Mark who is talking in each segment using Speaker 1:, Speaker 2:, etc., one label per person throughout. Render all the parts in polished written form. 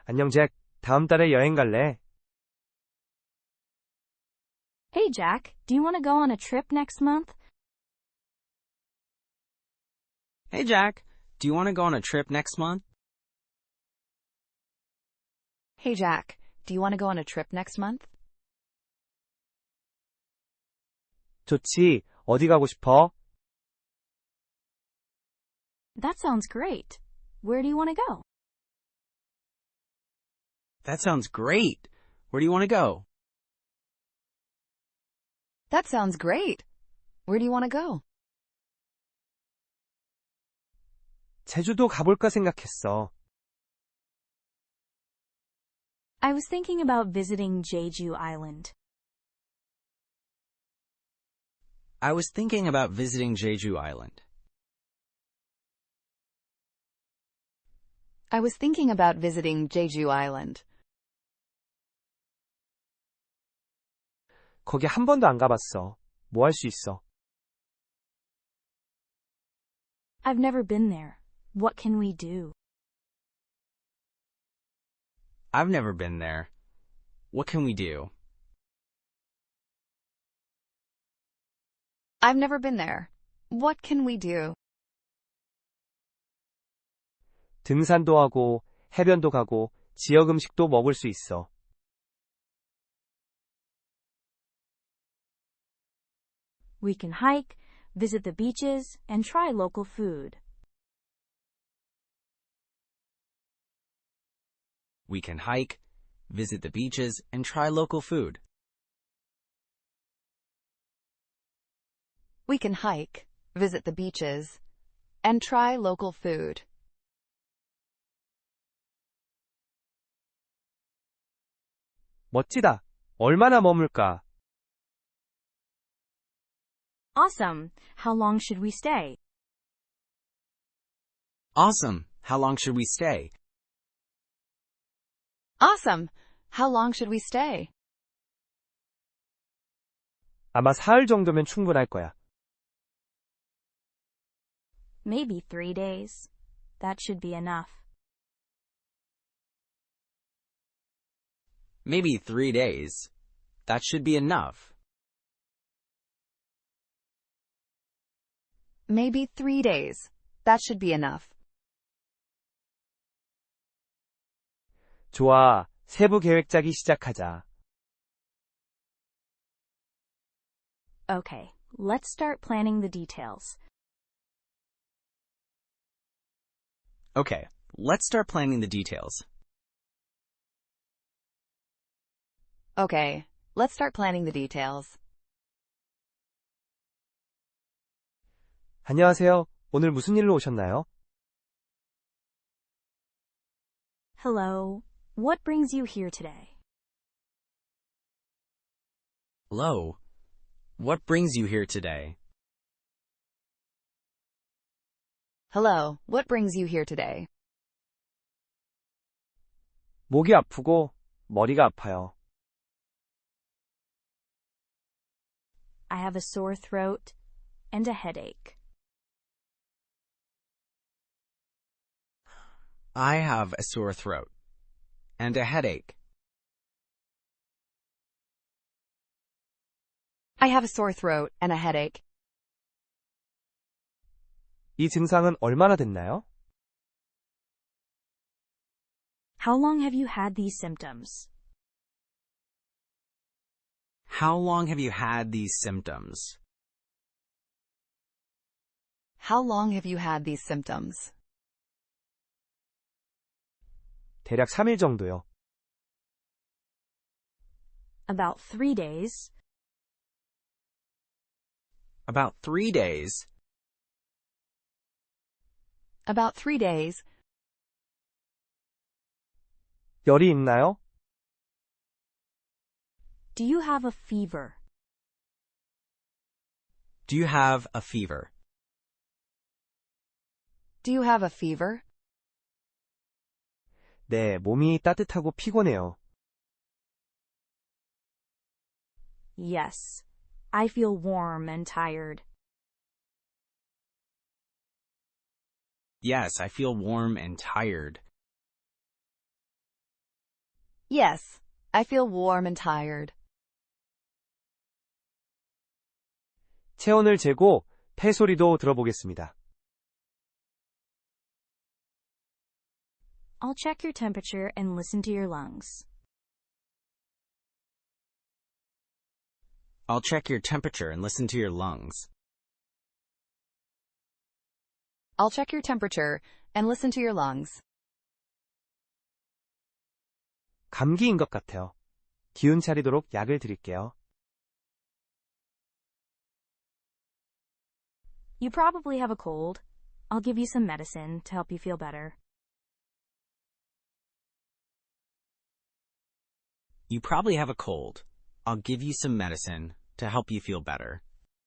Speaker 1: 안녕, 잭. 다음 달에 여행 갈래?
Speaker 2: Hey, Jack, do you want to go on a trip next month?
Speaker 3: Hey, Jack. Do you want to go on a trip next month?
Speaker 4: Hey, Jack, do you want to go on a trip next month?
Speaker 1: 좋지. 어디 가고 싶어?
Speaker 2: That sounds great. Where do you want to go?
Speaker 3: That sounds great. Where do you want to go?
Speaker 4: That sounds great. Where do you want to go?
Speaker 1: 제주도 가볼까 생각했어.
Speaker 2: I was thinking about visiting Jeju Island.
Speaker 3: I was thinking about visiting Jeju Island.
Speaker 4: I was thinking about visiting Jeju Island.
Speaker 1: 거기 한 번도 안 가봤어. 뭐 할 수 있어?
Speaker 2: I've never been there. What can we do?
Speaker 3: I've never been there. What can we do?
Speaker 4: I've never been there. What can we do?
Speaker 1: 등산도 하고, 해변도 가고, 지역 음식도 먹을 수 있어.
Speaker 2: We can hike, visit the beaches, and try local food.
Speaker 3: We can hike, visit the beaches, and try local food.
Speaker 4: We can hike, visit the beaches, and try local food.
Speaker 1: 멋지다. 얼마나 머물까?
Speaker 2: Awesome. How long should we stay?
Speaker 3: Awesome. How long should we stay?
Speaker 4: Awesome. How long should we stay?
Speaker 1: 아마 사흘 정도면 충분할 거야.
Speaker 2: Maybe 3 days. That should be enough.
Speaker 3: Maybe 3 days. That should be enough.
Speaker 4: Maybe 3 days. That should be enough.
Speaker 1: 좋아. 세부 계획 짜기 시작하자.
Speaker 2: Okay, let's start planning the details.
Speaker 3: Okay, let's start planning the details.
Speaker 4: Okay, let's start planning the details.
Speaker 1: 안녕하세요. 오늘 무슨 일로 오셨나요?
Speaker 2: Hello. What brings you here today?
Speaker 3: Hello. What brings you here today?
Speaker 4: Hello, what brings you here today?
Speaker 1: 목이 아프고 머리가 아파요.
Speaker 2: I have a sore throat and a headache.
Speaker 3: I have a sore throat and a headache.
Speaker 4: I have a sore throat and a headache.
Speaker 1: 이 증상은 얼마나 됐나요?
Speaker 2: How long have you had these symptoms?
Speaker 3: How long have you had these symptoms?
Speaker 4: How long have you had these symptoms?
Speaker 1: 대략 3일 정도요.
Speaker 2: About 3 days.
Speaker 3: About 3 days.
Speaker 4: About 3 days.
Speaker 1: 열이 있나요?
Speaker 2: Do you have a fever?
Speaker 3: Do you have a fever?
Speaker 4: Do you have a fever?
Speaker 1: 네, 몸이 따뜻하고 피곤해요.
Speaker 2: Yes. I feel warm and tired.
Speaker 3: Yes, I feel warm and tired.
Speaker 4: Yes, I feel warm and tired.
Speaker 1: 체온을 재고 폐소리도 들어보겠습니다.
Speaker 2: I'll check your temperature and listen to your lungs.
Speaker 3: I'll check your temperature and listen to your lungs.
Speaker 4: I'll check your temperature and listen to your lungs.
Speaker 1: 감기인 것 같아요. 기운 차리도록 약을 드릴게요.
Speaker 2: You probably have a cold. I'll give you some medicine to help you feel better.
Speaker 3: You probably have a cold. I'll give you some medicine to help you feel better.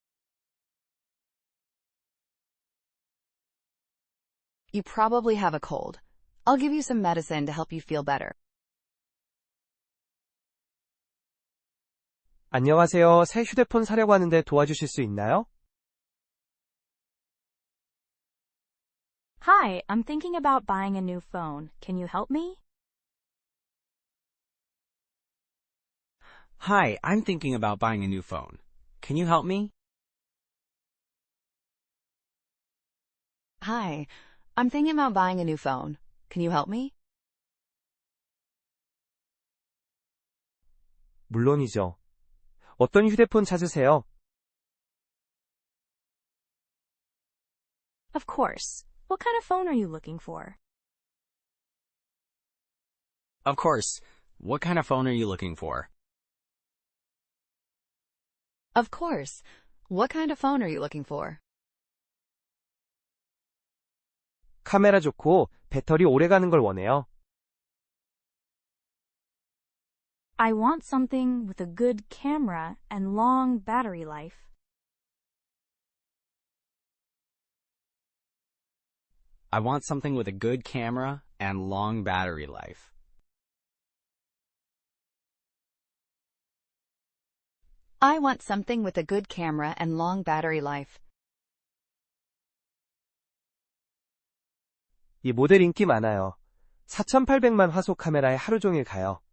Speaker 4: You probably have a cold. I'll give you some medicine to help you feel better.
Speaker 1: 안녕하세요. 새 휴대폰 사려고 하는데 도와주실 수 있나요?
Speaker 2: Hi, I'm thinking about buying a new phone. Can you help me?
Speaker 3: Hi, I'm thinking about buying a new phone. Can you help me?
Speaker 4: Hi, I'm thinking about buying a new phone. Can you help me?
Speaker 1: 물론이죠. 어떤 휴대폰 찾으세요?
Speaker 2: Of course. What kind of phone are you looking for?
Speaker 3: Of course. What kind of phone are you looking for?
Speaker 4: Of course. What kind of phone are you looking for?
Speaker 1: 카메라 좋고 배터리 오래 가는 걸 원해요.
Speaker 2: I want something with a good camera and long battery life.
Speaker 3: I want something with a good camera and long battery life.
Speaker 4: I want something with a good camera and long battery life.
Speaker 1: 이 모델 인기 많아요. 4,800만 화소 카메라에 하루 종일 가요.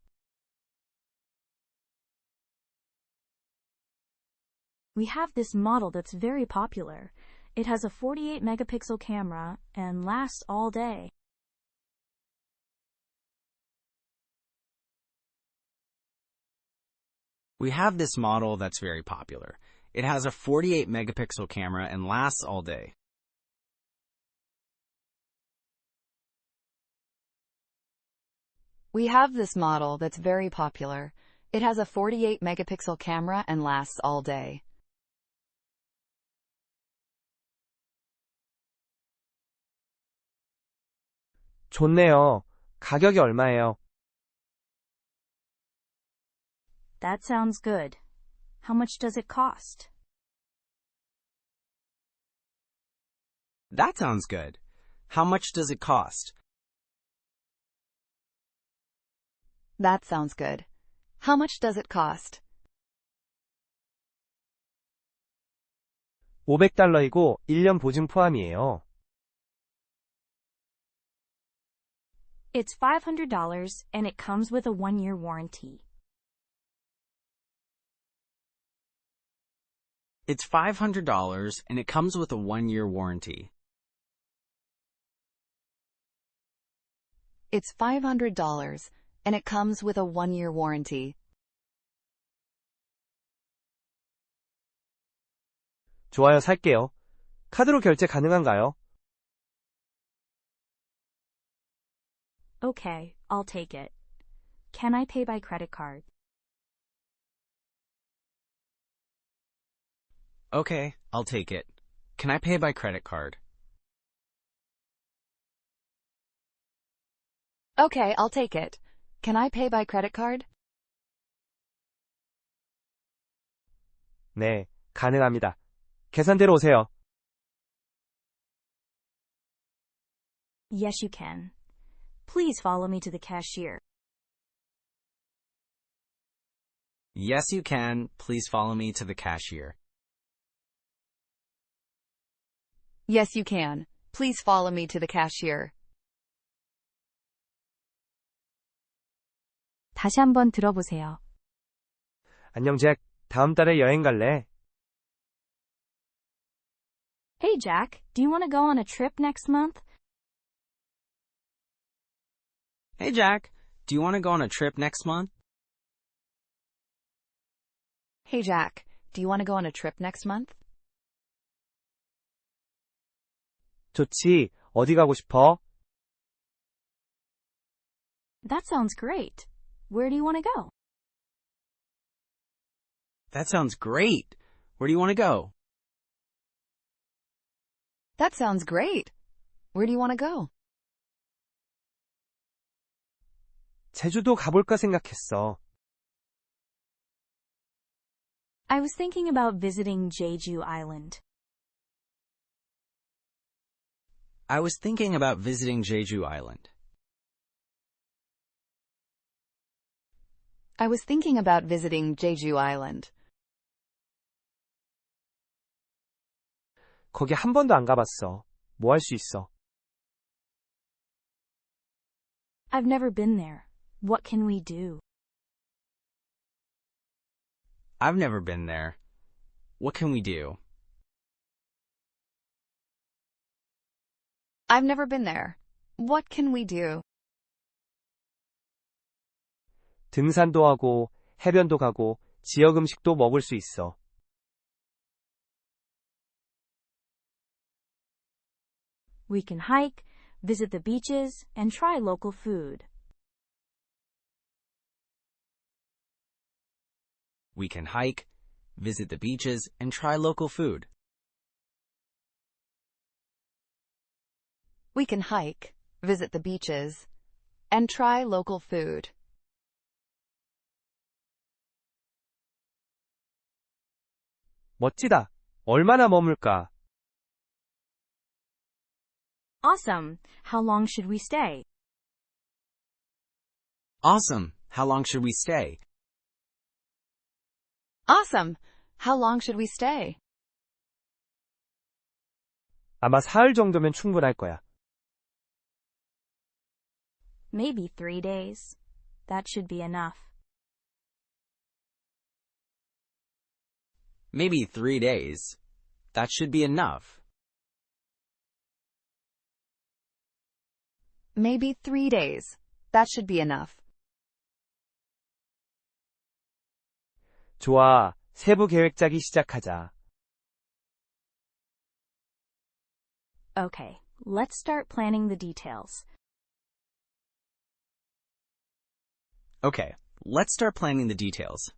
Speaker 2: We have this model that's very popular. It has a 48 megapixel camera and lasts all day.
Speaker 3: We have this model that's very popular. It has a 48 megapixel camera and lasts all day.
Speaker 4: We have this model that's very popular. It has a 48 megapixel camera and lasts all day.
Speaker 1: 좋네요. 가격이 얼마예요?
Speaker 2: That sounds good. How much does it cost?
Speaker 3: That sounds good. How much does it cost?
Speaker 4: That sounds good. How much does it cost?
Speaker 1: $500이고 1년 보증 포함이에요.
Speaker 2: It's $500 and it comes with a 1-year warranty.
Speaker 3: It's $500 and it comes with a 1-year warranty.
Speaker 4: It's $500 and it comes with a 1-year warranty.
Speaker 1: 좋아요, 살게요. 카드로 결제 가능한가요?
Speaker 2: Okay, I'll take it. Can I pay by credit card?
Speaker 3: Okay, I'll take it. Can I pay by credit card?
Speaker 4: Okay, I'll take it. Can I pay by credit card?
Speaker 1: 네, 가능합니다. 계산대로 오세요.
Speaker 2: Yes, you can. Please follow me to the cashier.
Speaker 3: Yes, you can. Please follow me to the cashier.
Speaker 4: Yes, you can. Please follow me to the cashier.
Speaker 2: 다시 한번 들어보세요.
Speaker 1: 안녕 잭. 다음 달에 여행 갈래?
Speaker 2: Hey Jack, do you want to go on a trip next month?
Speaker 3: Hey Jack, do you want to go on a trip next month?
Speaker 4: Hey Jack, do you want to go on a trip next month?
Speaker 1: 좋지. 어디 가고 싶어?
Speaker 2: That sounds great. Where do you want to go?
Speaker 3: That sounds great. Where do you want to go?
Speaker 4: That sounds great. Where do you want to go?
Speaker 1: 제주도 가볼까 생각했어.
Speaker 2: I was thinking about visiting Jeju Island.
Speaker 3: I was thinking about visiting Jeju Island.
Speaker 4: I was thinking about visiting Jeju Island.
Speaker 1: 거기 한 번도 안 가봤어. 뭐 할 수 있어?
Speaker 2: I've never been there. What can we do?
Speaker 3: I've never been there. What can we do?
Speaker 4: I've never been there. What can we do?
Speaker 1: 등산도 하고, 해변도 가고, 지역 음식도 먹을 수 있어.
Speaker 2: We can hike, visit the beaches, and try local food.
Speaker 3: We can hike, visit the beaches, and try local food.
Speaker 4: We can hike, visit the beaches, and try local food.
Speaker 1: 멋지다. 얼마나 머물까?
Speaker 2: Awesome. How long should we stay?
Speaker 3: Awesome. How long should we stay?
Speaker 4: Awesome. How long should we stay?
Speaker 1: 아마 사흘 정도면 충분할 거야.
Speaker 2: Maybe 3 days. That should be enough.
Speaker 3: Maybe 3 days. That should be enough.
Speaker 4: Maybe 3 days. That should be enough.
Speaker 1: 좋아. 세부 계획 짜기 시작하자.
Speaker 2: Okay, let's start planning the details.
Speaker 3: Okay, let's start planning the details.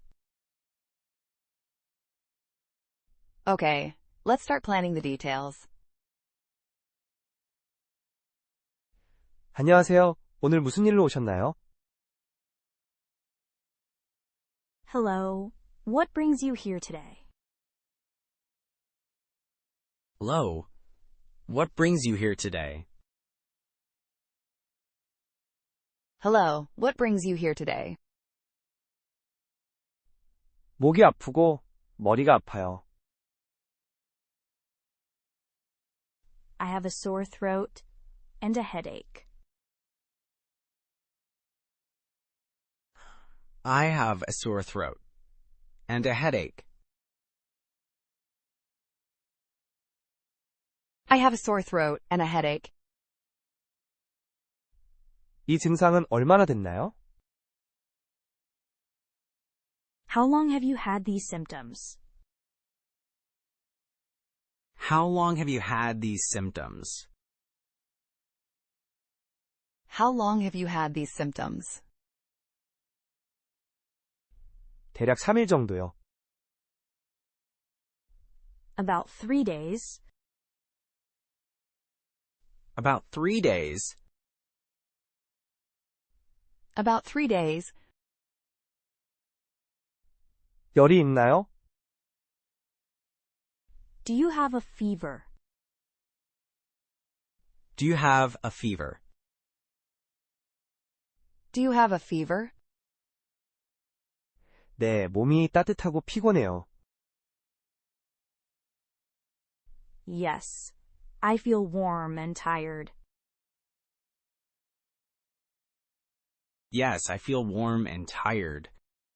Speaker 4: Okay, let's start planning the details.
Speaker 1: 안녕하세요. 오늘 무슨 일로 오셨나요?
Speaker 2: Hello. What brings you here today?
Speaker 3: Hello. What brings you here today?
Speaker 4: Hello, what brings you here today?
Speaker 1: 목이 아프고 머리가 아파요.
Speaker 2: I have a sore throat and a headache.
Speaker 3: I have a sore throat and a headache.
Speaker 4: I have a sore throat and a headache.
Speaker 1: 이 증상은 얼마나 됐나요?
Speaker 2: How long have you had these symptoms?
Speaker 3: How long have you had these symptoms?
Speaker 4: How long have you had these symptoms?
Speaker 1: 대략 3일 정도요.
Speaker 2: About 3 days.
Speaker 3: About 3 days.
Speaker 4: About 3 days.
Speaker 1: 열이 있나요?
Speaker 2: Do you have a fever?
Speaker 3: Do you have a fever?
Speaker 4: Do you have a fever?
Speaker 1: 네, 몸이 따뜻하고 피곤해요.
Speaker 2: Yes. I feel warm and tired.
Speaker 3: Yes, I feel warm and tired.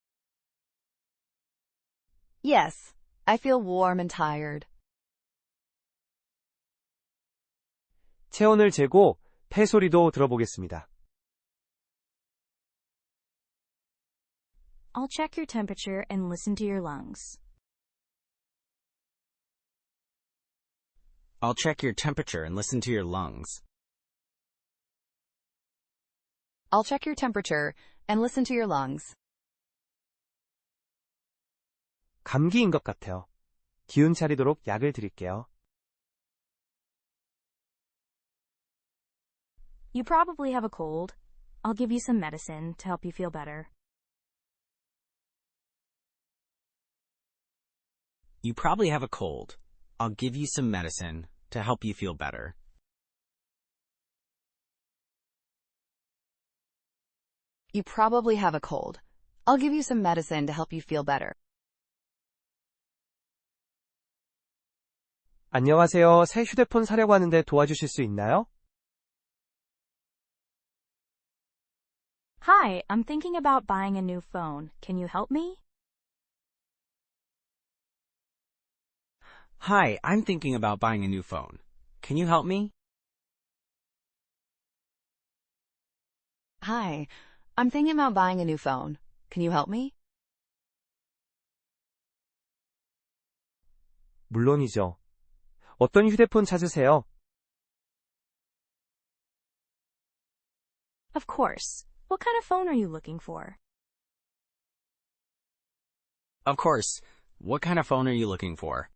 Speaker 4: Yes, I feel warm and tired.
Speaker 1: 체온을 재고 폐 소리도 들어보겠습니다.
Speaker 2: I'll check your temperature and listen to your lungs.
Speaker 3: I'll check your temperature and listen to your lungs.
Speaker 4: I'll check your temperature and listen to your lungs.
Speaker 1: 감기인 것 같아요. 기운 차리도록 약을 드릴게요.
Speaker 2: You probably have a cold. I'll give you some medicine to help you feel better.
Speaker 3: You probably have a cold. I'll give you some medicine to help you feel better.
Speaker 4: You probably have a cold. I'll give you some medicine to help you feel better.
Speaker 1: 안녕하세요. 새 휴대폰 사려고 하는데 도와주실 수 있나요?
Speaker 2: Hi, I'm thinking about buying a new phone. Can you help me?
Speaker 3: Hi, I'm thinking about buying a new phone. Can you help me?
Speaker 4: Hi, I'm thinking about buying a new phone. Can you help me?
Speaker 1: 물론이죠. 어떤 휴대폰 찾으세요?
Speaker 2: Of course. What kind of phone are you looking for?
Speaker 3: Of course. What kind of phone are you looking for?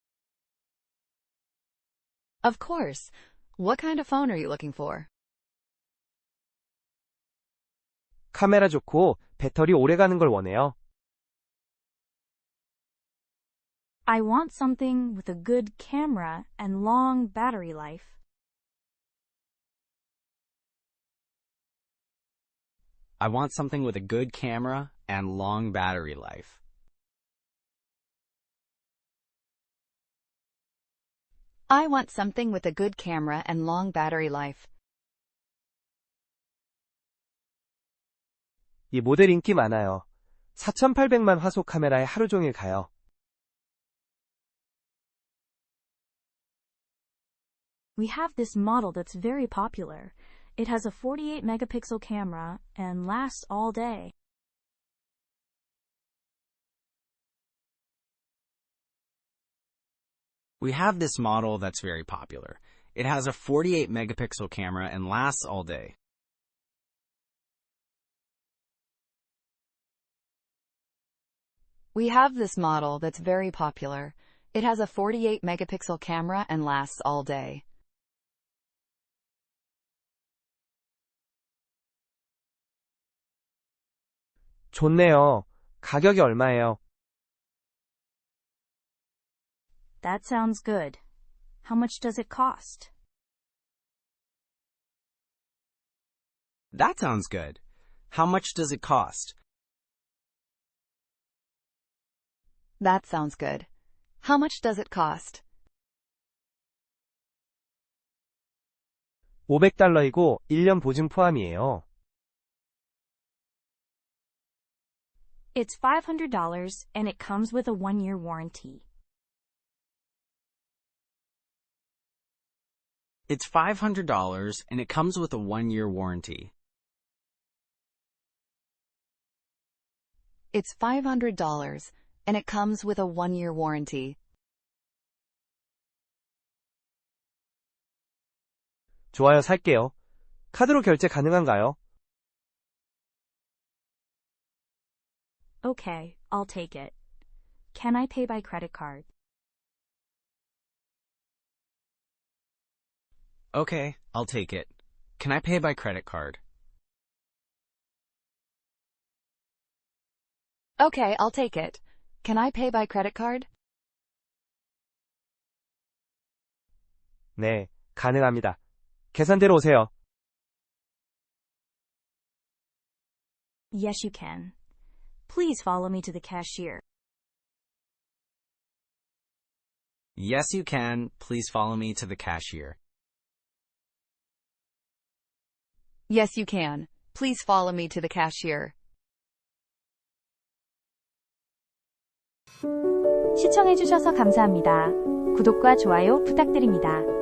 Speaker 4: Of course. What kind of phone are you looking for?
Speaker 1: 카메라 좋고 배터리 오래 가는 걸 원해요.
Speaker 2: I want something with a good camera and long battery life.
Speaker 3: I want something with a good camera and long battery life.
Speaker 4: I want something with a good camera and long battery life.
Speaker 1: 이 모델 인기 많아요. 4,800만 화소 카메라에 하루 종일 가요.
Speaker 2: We have this model that's very popular. It has a 48 megapixel camera and lasts all day.
Speaker 3: We have this model that's very popular. It has a 48 megapixel camera and lasts all day.
Speaker 4: We have this model that's very popular. It has a 48 megapixel camera and lasts all day.
Speaker 1: 좋네요. 가격이 얼마예요?
Speaker 2: That sounds good. How much does it cost?
Speaker 3: That sounds good. How much does it cost?
Speaker 4: That sounds good. How much does it cost?
Speaker 1: $500이고 1년 보증 포함이에요.
Speaker 2: It's $500 and it comes with a 1-year warranty.
Speaker 3: It's $500 and it comes with a 1-year warranty.
Speaker 4: It's $500 and it comes with a 1-year warranty.
Speaker 1: 좋아요, 살게요. 카드로 결제 가능한가요?
Speaker 2: Okay, I'll take it. Can I pay by credit card?
Speaker 3: Okay, I'll take it. Can I pay by credit card?
Speaker 4: Okay, I'll take it. Can I pay by credit card?
Speaker 1: 네, 가능합니다. 계산대로 오세요.
Speaker 2: Yes, you can. Please follow me to the cashier.
Speaker 3: Yes, you can. Please follow me to the cashier.
Speaker 4: Yes, you can. Please follow me to the cashier.
Speaker 2: 시청해주셔서 감사합니다. 구독과 좋아요 부탁드립니다.